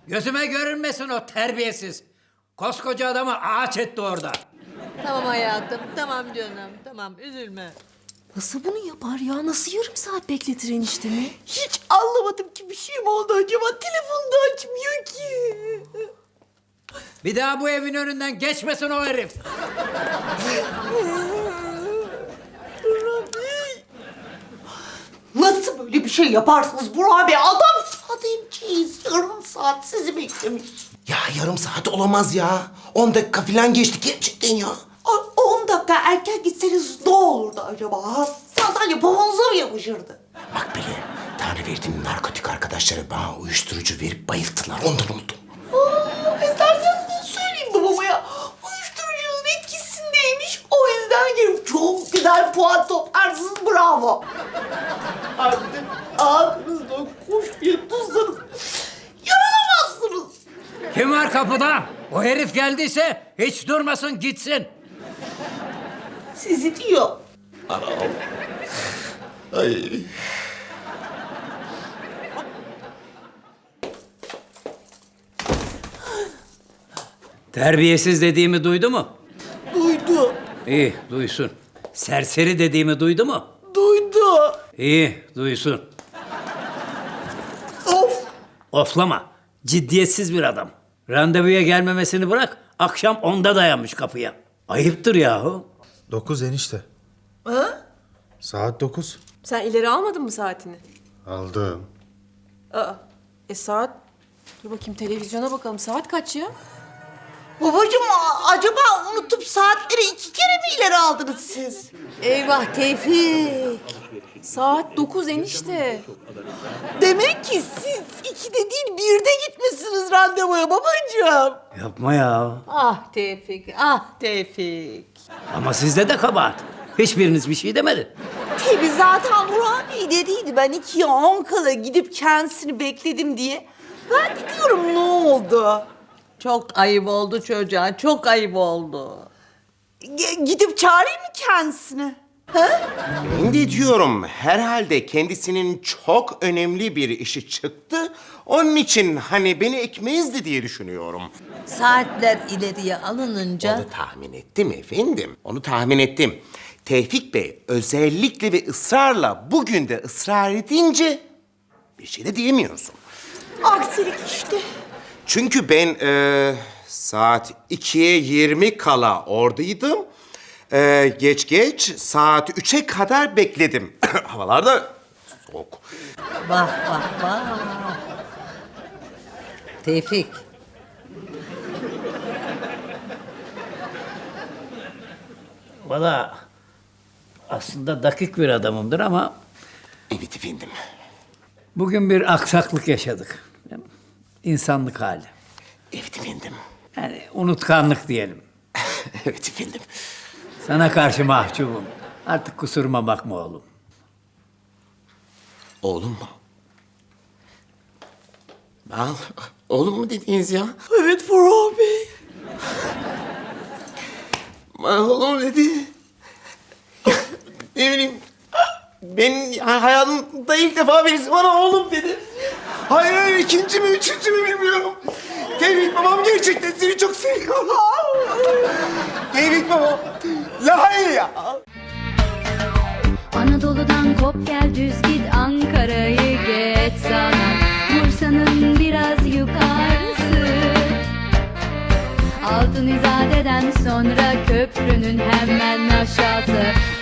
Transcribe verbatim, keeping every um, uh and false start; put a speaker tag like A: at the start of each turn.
A: Gözüme görünmesin o terbiyesiz. Koskoca adamı ağaç etti orada.
B: Tamam hayatım, tamam canım, tamam üzülme.
C: Nasıl bunu yapar ya? Nasıl yarım saat bekletir eniştemi?
D: Hiç anlamadım ki bir şey mi oldu acaba? Telefonu da açmıyor ki.
A: Bir daha bu evin önünden geçmesin o herif.
D: Nasıl böyle bir şey yaparsınız Burak Bey? Adam sademciyiz. Yarım saat sizi beklemiş.
E: Ya yarım saat olamaz ya. On dakika falan geçti gerçekten ya.
D: Ay, on dakika erken gitseniz ne olurdu acaba? Ha? Sandalye pamuğunuza mı yapışırdı?
E: Bak bile Tanrı verdiğim narkotik arkadaşları bana uyuşturucu verip bayılttılar. Ondan unuttum.
D: Aa, isterseniz bunu söyleyeyim babama ya. Uyuşturucunun etkisindeymiş. O yüzden gelip çok güzel puan toplarsınız. Bravo. Harbiden ağzınızda kuş diye tuzlarınız. Yaralamazsınız.
A: Kim var kapıda? O herif geldiyse hiç durmasın gitsin.
D: Sizi diyor.
E: Ay.
A: Terbiyesiz dediğimi duydu mu?
D: Duydu.
A: İyi, duysun. Serseri dediğimi duydu mu?
D: Duydu.
A: İyi, duysun.
D: Of.
A: Oflama. Ciddiyetsiz bir adam. Randevuya gelmemesini bırak, akşam onda dayanmış kapıya. Ayıptır yahu.
F: Dokuz enişte.
D: Ha?
F: Saat dokuz.
C: Sen ileri almadın mı saatini?
F: Aldım.
C: Aa, e saat... Dur bakayım televizyona bakalım. Saat kaç ya?
D: Babacığım a- acaba unutup saatleri iki kere mi ileri aldınız siz?
B: Eyvah Tevfik.
C: Saat dokuz enişte.
D: Demek ki siz ikide değil birde gitmişsiniz randevuya babacığım.
A: Yapma ya.
B: Ah Tevfik, ah Tevfik.
A: Ama sizde de kabahat. Hiçbiriniz bir şey demedi.
D: Tabii zaten Burak Bey dediydi ben ikiye on kala gidip kendisini bekledim diye. Ben de diyorum ne oldu?
B: Çok ayıp oldu çocuğa, çok ayıp oldu.
D: G- gidip çağırayım mı kendisini? Ha?
E: Ben de diyorum herhalde kendisinin çok önemli bir işi çıktı. Onun için hani beni ekmezdi diye düşünüyorum.
B: Saatler ileriye alınınca...
E: Onu tahmin ettim efendim. Onu tahmin ettim. Tevfik Bey özellikle ve ısrarla bugün de ısrar edince bir şey de diyemiyorsun.
D: Aksilik işte.
E: Çünkü ben e, saat ikiye yirmi kala oradaydım. E, geç geç saat üçe kadar bekledim. Havalar da soğuk.
B: Vah vah vah. Tevfik.
A: Valla aslında dakik bir adamımdır ama
E: Evet efendim.
A: bugün bir aksaklık yaşadık. İnsanlık hali.
E: Evet efendim.
A: Yani unutkanlık diyelim.
E: Evet efendim.
A: Sana karşı mahcubum. Artık kusuruma bakma oğlum.
E: Oğlum mu? Al, oğlum mu dediniz ya?
D: Evet Burak Bey.
E: Bana oğlum dedi. Ne bileyim. Ben ya hayatımda ilk defa birisi bana oğlum dedi. Hayır hayır ikinci mi üçüncü mü bilmiyorum. Tevfik babam gerçekten seni çok seviyor. Tevfik babam. La hayır ya.
G: Anadolu'dan kop gel düz git Ankara'yı geç sana Bursa'nın biraz yukarısı Altın İzade'den sonra köprünün hemen aşağısı